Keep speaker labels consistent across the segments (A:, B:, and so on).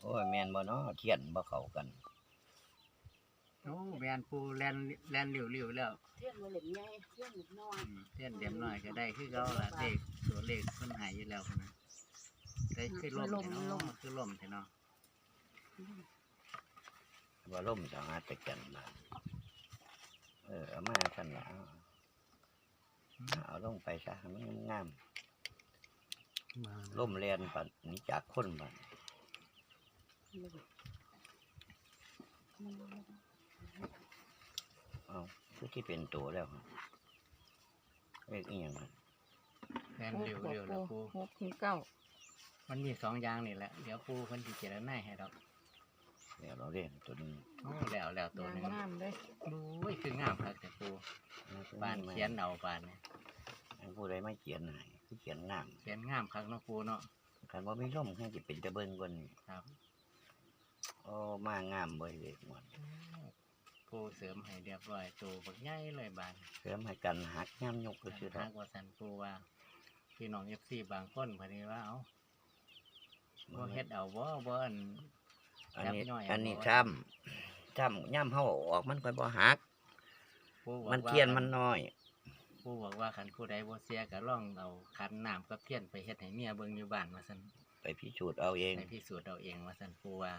A: โอ้ยแม่นบ่เนาะเทียนบ่เข้ากัน
B: โอ้แมนปูแลนเหลียวๆแล้ว
C: เทียนบ่เหล็มใหญ่เทียนเหล็มน้อย
B: เทียนเดียมน้อยก็ได้คือเขาละเลขตัวเลขคนหายอยู่แล้วนะได้คือล่มเนาะคือล่มเนาะ
A: ว่าล่มสามารถไปกันมาเอามาซั่นล่ะเอาลงไปซะมันงามล่มแล่นปัดนี้จากคนบัดเอาคือที่เป็นตัวแล้วเลขอีหยัง
B: แลนเหลียวแล้วปู
C: 6-9
B: มันมี2อย่างนี่แหละเดี๋ยวปูคนที่เจรนายให้ดอก
A: เดี๋ยวเราเล่นตัวนี้
B: โอ้แล้วตัวนึง
C: งามเลย
B: ดูคืองามครับแต่ปูบ้านเขียนเอาบ้านเนี่ย
A: ผู้ใดไม่เขียนให้คือเขียนงาม
B: เขียนงามครับน้องปูเนาะ
A: คันว่ามีร่มให้จะเป็นตะเบิ่งกว่านี้
B: ครับ
A: โอ้มางามเบ่เลยหมด
B: ปูเสริมให้เรียบร้อยตัวบักใหญ่เลยบ้าน
A: เสริมให้กันหักย่ำยกก็คือ
B: หักว่าสันปูว่าพี่น้องFCบางคนพอดีว่าเอาบ่เฮ็ดเอาบ่
A: อันนี้ช้ำย่ำเฮาออกมันค่อยบ่หักมันเทียนมันน้อย
B: ผู้บอกว่าคันผู้ใดบ่เสียก็ลองเอาขันน้ำกับเทียนไปเฮ็ดให้เมียเบิ่งอยู่บ้านว่าซั่น
A: ไปพิสูจน์เอาเอง
B: ไปพิสูจน์เอาเองว่าซั่นผู้ว่า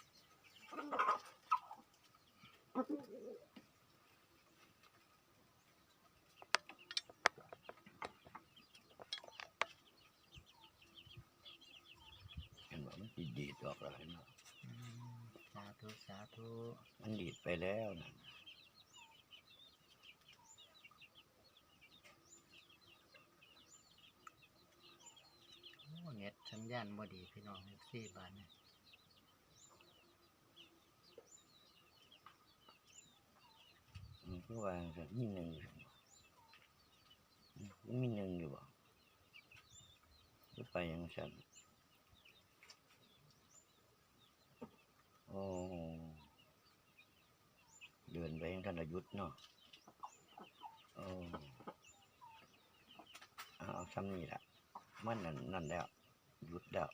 A: เห็นว่ามันดีดออกแล้วเนาะ
B: สาธุ
A: มันดีดไปแล้วนะ
B: เน็ตสัญญาณบ่ดีพี่น้องFCบ้านเนี่ย
A: คือว่ามีหนึ่งอยู่บ่คือไปยังฉันโอ้เดินไปยังท่านอายุทธ์เนาะโอ้เอาซ้ำนี่แหละมันนั่นแล้วหยุดแล้ว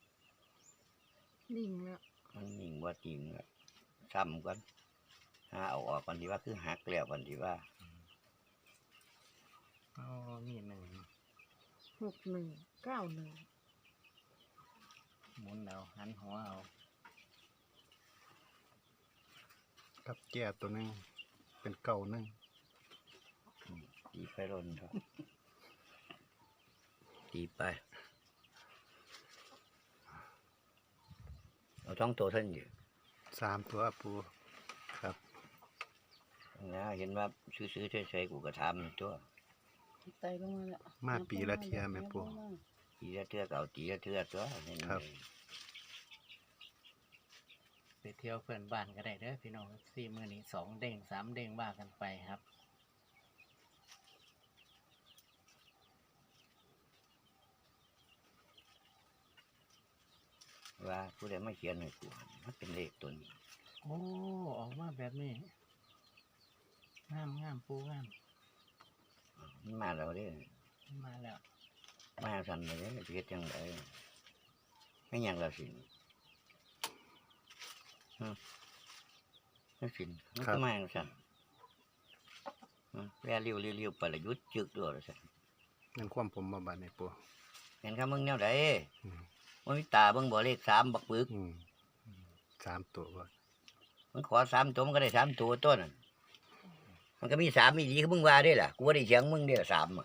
C: นิ่งแล้ว
A: มันนิ่งว่าจริงแล้วซ้ำกันเอาออกกันดีว่าคือหักแล้วกันดีว่า
B: มี
C: 6191
B: หมุนเอาหันหัวเอา
D: กับแก่ตัวนึงเป็นเก่านึง
A: ตีไปร่นครับตีไปเอาท้องตัวท่านอยู่
D: 3ตัวปูครับ
A: นะเห็นว่าซื้อใช้กูกระทำตัว
C: ไตลงมาแล้ว
D: มาปีละเทียแม่ปู
A: ปีละเทื่อเก่าตีละเทื่อตัว
D: ครับ
B: ไปเที่ยวเพื่อนบ้านก็ได้เด้อพี่น้อง4มื้อนี้2เด้ง3เด้งว่ากันไปครับ
A: ว่าผู้ใดไม่เขียนให้กูมันเป็นเลขตัวนี้
B: โอ้ออกมาแบบนี้งามปูงาม
A: มันมาแล้วเด้
B: มาแล้ว
A: มาสั่นเลยเฮ็ดจังได๋ไม่หยังแล้วสินั่นสิมันก็มาสั่นแวเร็วๆประยุทธ์จึกด้วยสั่น
D: นั่นความผมมาบาดในปู
A: เห็นครับมึงแนวใดมันมีตาเบิ่งบ่เลข3บักปึก
D: 3ตัวบ่
A: มันขอ3ตัวมันก็ได้3ตัวต้นมันก็มี3อีหลีคือมึงว่าได้ล่ะกูบ่ได้เถียงมึงเด้อ3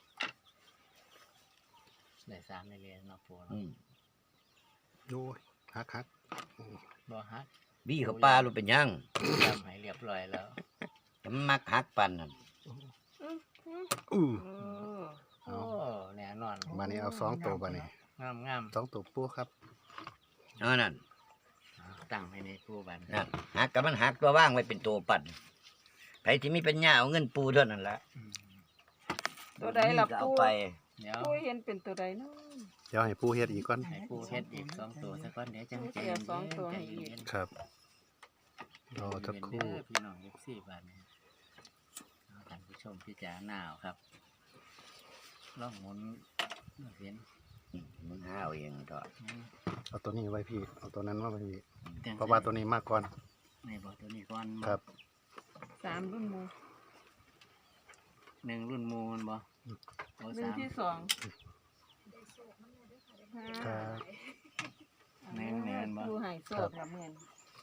B: ได้3ในเรียนเนาะปู
D: โอ้ยฮัก
B: บ่ฮัก
A: บี้เขาปลาลูกเป็นหยัง
B: ทำให้เรียบร้อยแล้ว
A: จะมักฮักปานนั่น
B: โอ้แน่นอน
D: มานี่เอา2ตัวบัดนี้
B: งาม
D: 2ตัวปูครับ
A: นั่น
B: ตั้งให้ในปูบัด
A: นั่นหักกับมันหักตัวว่างไว้เป็นตัวปั่นไผที่มีปัญญาเอาเงินปูเท่านั้นล่ะ
C: ตัวใดล่ะปู
A: ไป
C: ปูเห็นเป็นตัวใดเนาะ
D: เดี๋ยวให้ปูเฮ็ดอีกก่อน
B: ให้ปูเฮ็ดอีก2ตัวซะก่อนเดี๋ยวจังใจ
C: 2ตัวให้อีก
D: ครับรอสักครู่
B: พี่น้องFCบ้านนี้ท่านผู้ชมพิจารณาครับลองหมุนเห็น
A: มึงหาเอาเองเถอะ
D: เอาตัวนี้ไว้พี่เอาตัวนั้นมาไว้พี่
B: แต่ง
D: เพราะว่าตัวนี้มากก่อน
B: ในบ่ตัวนี้ก่อน
D: ครับ
C: 3รุ่นหมู่
B: หนึ่งรุ่นมูลบ่โอ้
C: รุ่น
B: สาม
C: ที่2
D: ครับ
B: แม่นแม่นบ่
C: ผู้ให้โชคละแม่น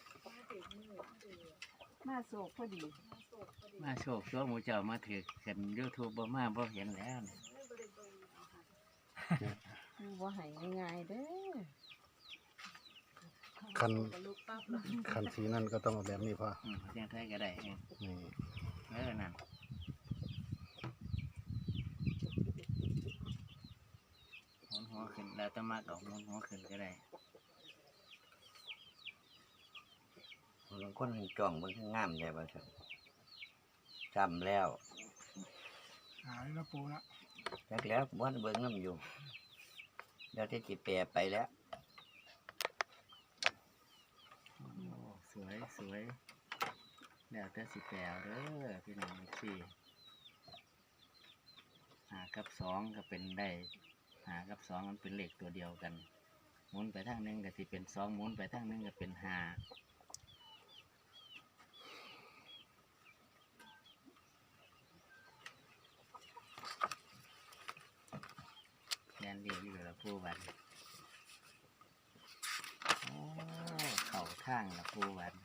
C: มาโชคพอดี
B: มาโชคตัวหมูเจ้ามาถือกันยูทูบบ่มาบ่เห็นแล้วนี่
C: คือบ่ให้ง่ายๆเด้อ
D: คันสีนั่นก็ต้องเอาแบบนี้พ่อ
B: เสียงไทยก็ได้เอง
D: นี่
B: นั่นหมุนหัวขึ้นแล้วแต้องมาเอาหมุนหัวขึ้นก็ได้
A: บางคนจ้องเบิ่งข้างงามได้บ่ซั่นซ้ำแล้ว
E: หายแล้วปูละ
A: จักแล้วบ่ทันเบิ่งนำอยู่แล้วที่สิแปรไปแล้ว
B: โอ้สวยสวยแล้วแต่สิแปลเด้อพี่น้องสี่5 กับ 2ก็เป็นได้5 กับ 2มันเป็นเลขตัวเดียวกันหมุนไปทางหนึงก็สิเป็น2หมุนไปทางหนึงก็เป็น5แทนเรียกอยู่ละผู้วันโอ้เข่าข้างละผู้วัน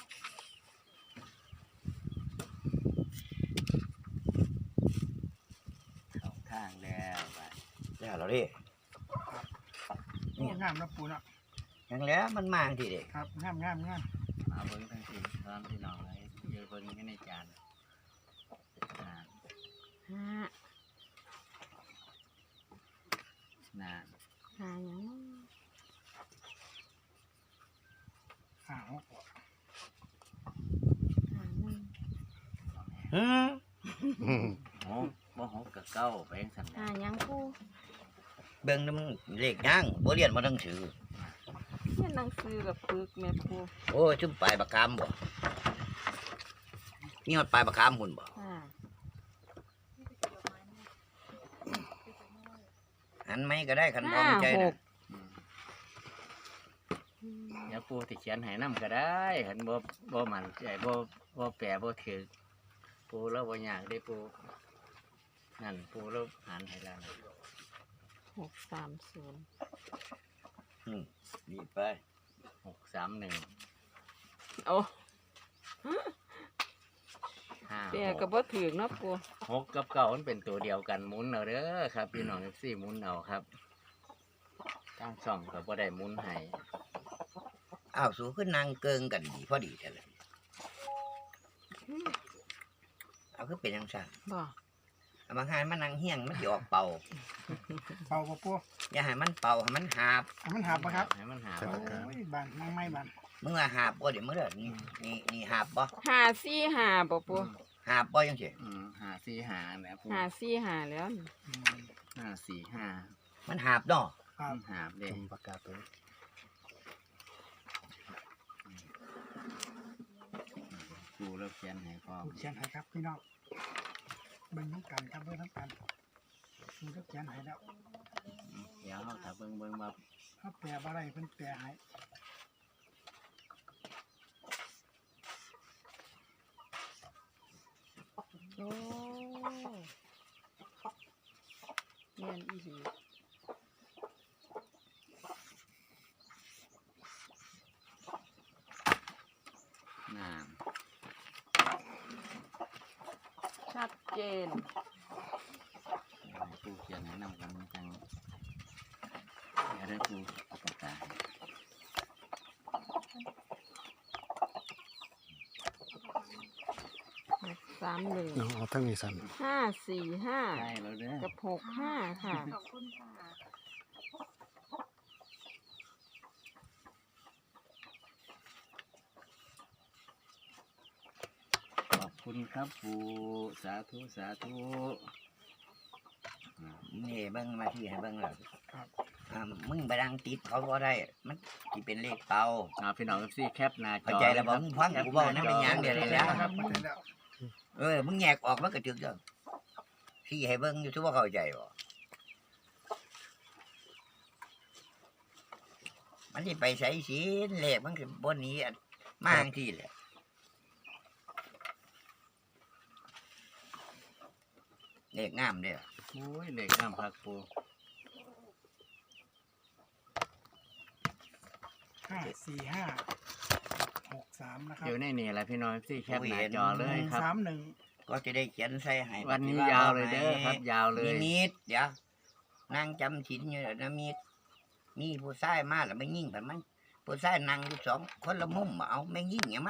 B: เข่าข้างแล้ววัน
A: แล้วเราดิ
E: โอ้งามแล้วปูละ
A: ยังแล้วมันมาจังที่เด้
E: ครับงาม
B: มาเบิ้งทั้งสี่ตอนพี่น้องเลยเยอะเบิ้งกันในจานนาน
C: 5
B: นาน
C: หาหยัง
E: หก
C: หาหนึ่ง
A: หือ
D: อืม
B: หกบ่หกกับเก้าไปยังสัน
C: หาหยังปู
A: เบิ่งนำเลขยังบ่เรียนบ่ต้องถือ
C: เรียนหนังสือกับปึกแม่ปู
A: โอ้ยจุ่มปลายปากกามบ่มีฮอดปลายปากกามหุ่นบ่
C: อ่า
A: หันไหมก็ได้คันบ่มีใจนะ
B: เดี๋ยวปูติเขียนให้น้ำก็ได้เห็นบ่มันใจบ่แปรบ่ถือปูแล้วบ่ยากได้ปูนั่นปูแล้วหันให้แล้วนะ
C: 630
A: นี่ไป
B: 631
C: โอ้
B: 5
C: แปลก็บ่ถูกเนาะปู
B: 6กับเก้ามันเป็นตัวเดียวกันหมุนเอาเด้อครับพี่น้องสี่หมุนเอาครับตั้งช่องก็บ่ได้หมุนให้
A: อ้าวสู้ขึ้นนางเกิงกันดีพอดีแต่ละเอาคือเป็นจังซั่น
C: บ่
A: เอาบางหายมันนางเฮี้ยงมันสิออกเป่า
E: เป่าบ่ปู
A: อย่าให้มันเป่าให้มันหาบ
E: ให้มันหาบปะครับ
B: ให้มันหา
E: โอ้ยบานนั่งไม่บาน
A: มึงว่าหาบบ่เดี๋ยวมึงเด้อนี่หาบบ่
C: 545บ่ปู
A: หาบบ่จังซี่
B: 545นะปู
C: 545แล้วนี่
B: 545
A: มันหาบเนาะ
E: ครับ
B: หาบเด้
D: จำปากกาตัวนี้
B: ปูแล้วเขียนให้พร้อม
E: ปูเขียนให้ครับพี่น้องเบิ่งน้ำกันครับเบิ่งน้ำกันปูก็เขียนให้แล้ว
B: เดี๋ยวถ้าเบิ่งว่า
E: ถ้าแปลบ่ได้เพิ่นแปลให้
C: โอ้แม่นอีหลี
B: น้ำ
C: ชัดเจน
B: ปูเขียนให้นำกันจังเดี๋ยวได้ปูเอาปากกาให้
C: 631
D: เอาทั้งนี้สั่น
C: 545
B: ได้แล้วเด้อ
C: กับ65ค่ะ
B: ขอบคุณครับปูสาธุสาธุ
A: นี่เบิ่งมาที่ให้เบิ่งแล้ว
E: ครับ
A: มึงไปดังติดเขาบ่ได้ มันสิเป็นเลขเป่า
B: พี่น้องซี่แคปหน้าจอ
A: เข้าใจแล้วบ่มึงฟังกูเว้านั่นเป็นหยังเดี๋ยวนี้แล้ว
E: ครับเข้าใจแล้ว
A: มึงแยกออกมันก็จึกเด้อที่ให้เบิ่งอยู่ทุกว่าเข้าใจบ่มันสิไปใส่ศีลเลขมันคือบนนี้มาจังที่แหละเลขงามเด้อ
B: โอ้ยเลขน้ำพักปู
E: 54563นะครับ
B: อยู่ในนี่แหละพี่น้องที่แคปหน้าจอเลยครับ
E: 131
A: ก็จะได้เขียนใส่ให้
B: วันนี้ยาวเลยเด้อครับ ยาวเลย
A: นิมิตเดี๋ยวนั่งจำศีลอยู่นะมิตมีผู้ชายมาแล้วไม่ยิ่งแบบมันผู้ชายนั่งอยู่2 คนละมุมเอาไม่ยิ่งอย่างมัน